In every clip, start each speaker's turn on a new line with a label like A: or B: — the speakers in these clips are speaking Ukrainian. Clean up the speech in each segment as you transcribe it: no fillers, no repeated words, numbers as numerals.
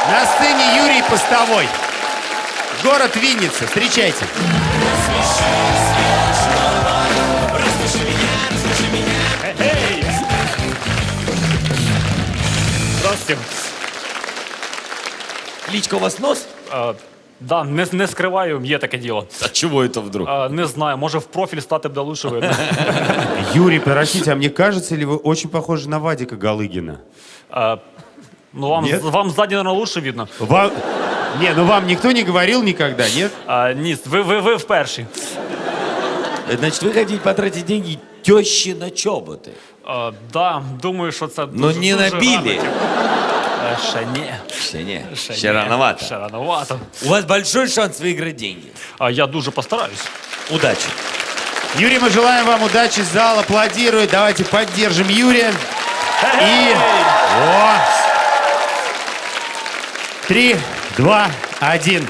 A: На сцене Юрий Постовой. Город Винница. Встречайте.
B: Здравствуйте.
C: Личка у вас нос?
B: Да, не скриваю, є таке діло.
C: А чего это вдруг?
B: Не знаю, може в профіль стати буде лучше видно.
A: Юрий, простите, а мне кажется, ли вы очень похожи на Вадика Галыгина?
B: Ну, вам,
A: Нет?
B: вам ззаді, наверное, лучше видно.
A: Вам... Не, ну вам никто не говорил никогда, нет?
B: Ні, ви вперші.
C: Значит, вы хотите потратить деньги тещи на чоботы?
B: Да, думаю, що це
C: Но
B: дуже,
C: не
B: дуже
C: набили.
B: гарно, типу. Ще ні.
C: Ще рановато.
B: Ще рановато.
C: У вас большой шанс выиграть деньги.
B: Я дуже постараюсь.
C: Удачи.
A: Юрий, мы желаем вам удачи, зал аплодирует. Давайте поддержим Юрия. И... О! 3, 2, 1.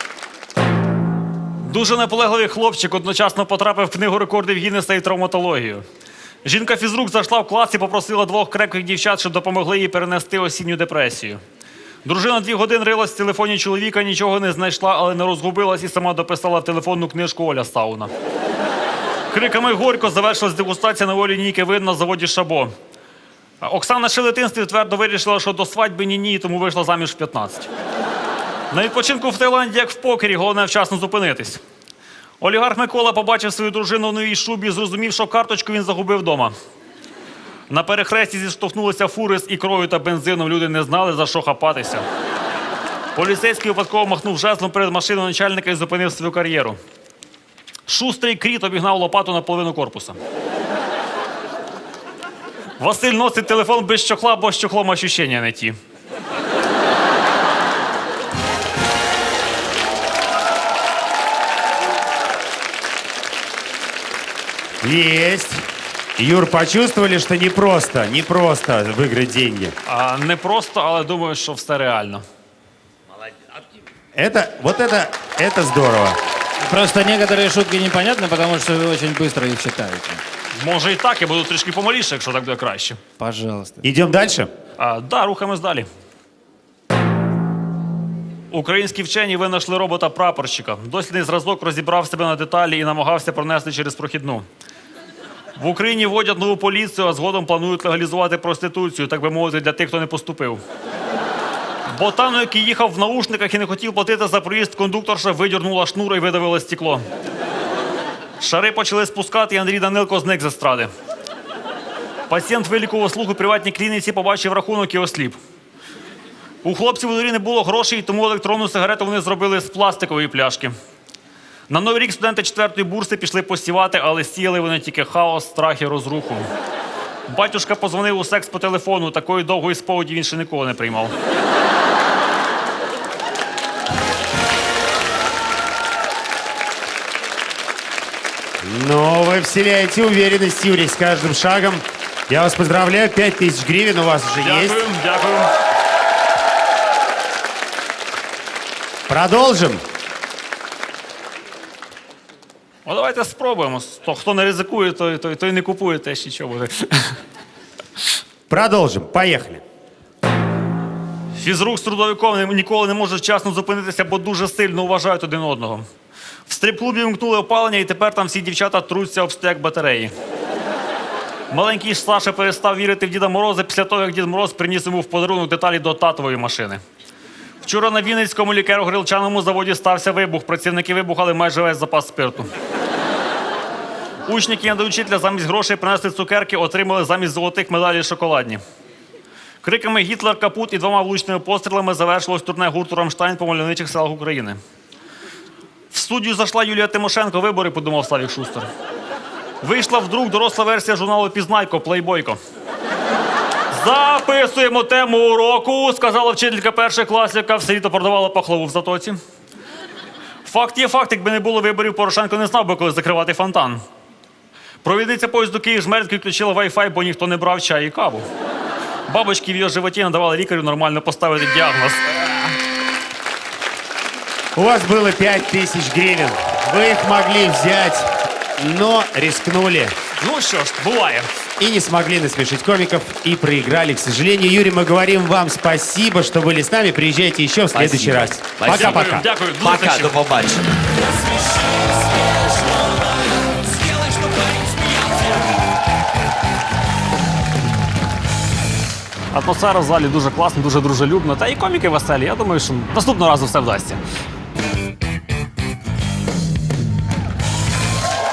B: Дуже наполегливий хлопчик одночасно потрапив в книгу рекордів Гіннеса і травматологію. Жінка-фізрук зайшла в клас і попросила 2 крепких дівчат, щоб допомогли їй перенести осінню депресію. Дружина 2 години рилась в телефоні чоловіка, нічого не знайшла, але не розгубилась і сама дописала в телефонну книжку Оля Сауна. Криками «Горько» завершилась дегустація нової лінійки вин на заводі «Шабо». Оксана ще в дитинстві твердо вирішила, що до свадьби ні-ні, тому вийшла заміж в 15. На відпочинку в Таїланді, як в покері, головне вчасно зупинитись. Олігарх Микола побачив свою дружину в новій шубі і зрозумів, що карточку він загубив вдома. На перехресті зіштовхнулися фури з ікрою та бензином, люди не знали, за що хапатися. Поліцейський випадково махнув жезлом перед машиною начальника і зупинив свою кар'єру. Шустрий кріт обігнав лопату на половину корпуса. Василь носить телефон без чохла, бо з чохлом ощущення не ті.
A: Есть. Юр, почувствовали, что непросто выиграть деньги?
B: Не просто, але думаю, що все реально.
A: Это здорово.
D: Просто некоторые шутки непонятны, потому что вы очень быстро их читаете.
B: Може і так, я буду трішки помаліше, якщо так буде краще.
D: Пожалуйста.
A: Идем дальше?
B: Да, рухаємось далі. Українські вчені винайшли робота-прапорщика. Дослідний зразок розібрав себе на деталі і намагався пронести через прохідну. В Україні вводять нову поліцію, а згодом планують легалізувати проституцію, так би мовити, для тих, хто не поступив. Ботану, який їхав в наушниках і не хотів платити за проїзд, кондукторша видірнула шнур і видавила стекло. Шари почали спускати, і Андрій Данилко зник з естради. Пацієнт вилікував слух у приватній клініці, побачив рахунок і осліп. У хлопців у дворі не було грошей, тому електронну сигарету вони зробили з пластикової пляшки. На Новий рік студенти 4-ї бурси пішли посівати, але сіяли вони тільки хаос, страх і розруху. Батюшка позвонив у секс по телефону, такої довгої сповіді він ще ніколи не приймав.
A: Но вы вселяете уверенность, Юрий, с каждым шагом. Я вас поздравляю, 5000 гривен у вас уже есть.
B: Дякую, дякую.
A: Продолжим.
B: Давайте спробуємо. Хто не ризикує, той не купує теж нічого буде.
A: Продолжим. Поехали.
B: Фізрук з трудовиком ніколи не може вчасно зупинитися, бо дуже сильно вважають один одного. В стрип-клубі вмкнули опалення, і тепер там всі дівчата труться об стек батареї. Маленький Саша перестав вірити в Діда Мороза після того, як Дід Мороз приніс йому в подарунок деталі до татової машини. Вчора на Вінницькому лікеро-грилчаному заводі стався вибух. Працівники вибухали майже весь запас спирту. Учні кінодоучителя замість грошей принесли цукерки, отримали замість золотих медалей шоколадні. Криками «Гітлер капут» і 2 влучними пострілами завершилось турне гурту «Рамштайн» по мальовничих селах України. В студію зайшла Юлія Тимошенко. Вибори, подумав Славік Шустер. Вийшла вдруг доросла версія журналу «Пізнайко», «Плейбойко». «Записуємо тему уроку», – сказала вчителька перших класів, яка все літо продавала пахлаву в Затоці. Факт є факт, якби не було виборів, Порошенко не знав би, коли закривати фонтан. Провідниця поїзду Київ-Жмеринськ включила Wi-Fi, бо ніхто не брав чай і каву. Бабочки в її животі надавали лікарю нормально поставити діагноз.
A: У вас было 5000 гривен. Вы их могли взять, но рискнули.
B: Ну що ж, буває.
A: и не смогли насмешить комиков и проиграли. К сожалению, Юрий, мы говорим вам спасибо, что были с нами. Приезжайте еще в следующий раз.
C: Спасибо.
A: Пока-пока.
B: Дякую. До
C: Пока,
B: зустрічі.
C: до побачення.
B: Атмосфера в залі дуже класна, дуже дружелюбна. Та і коміки веселі. Я думаю, що наступного разу все вдасться.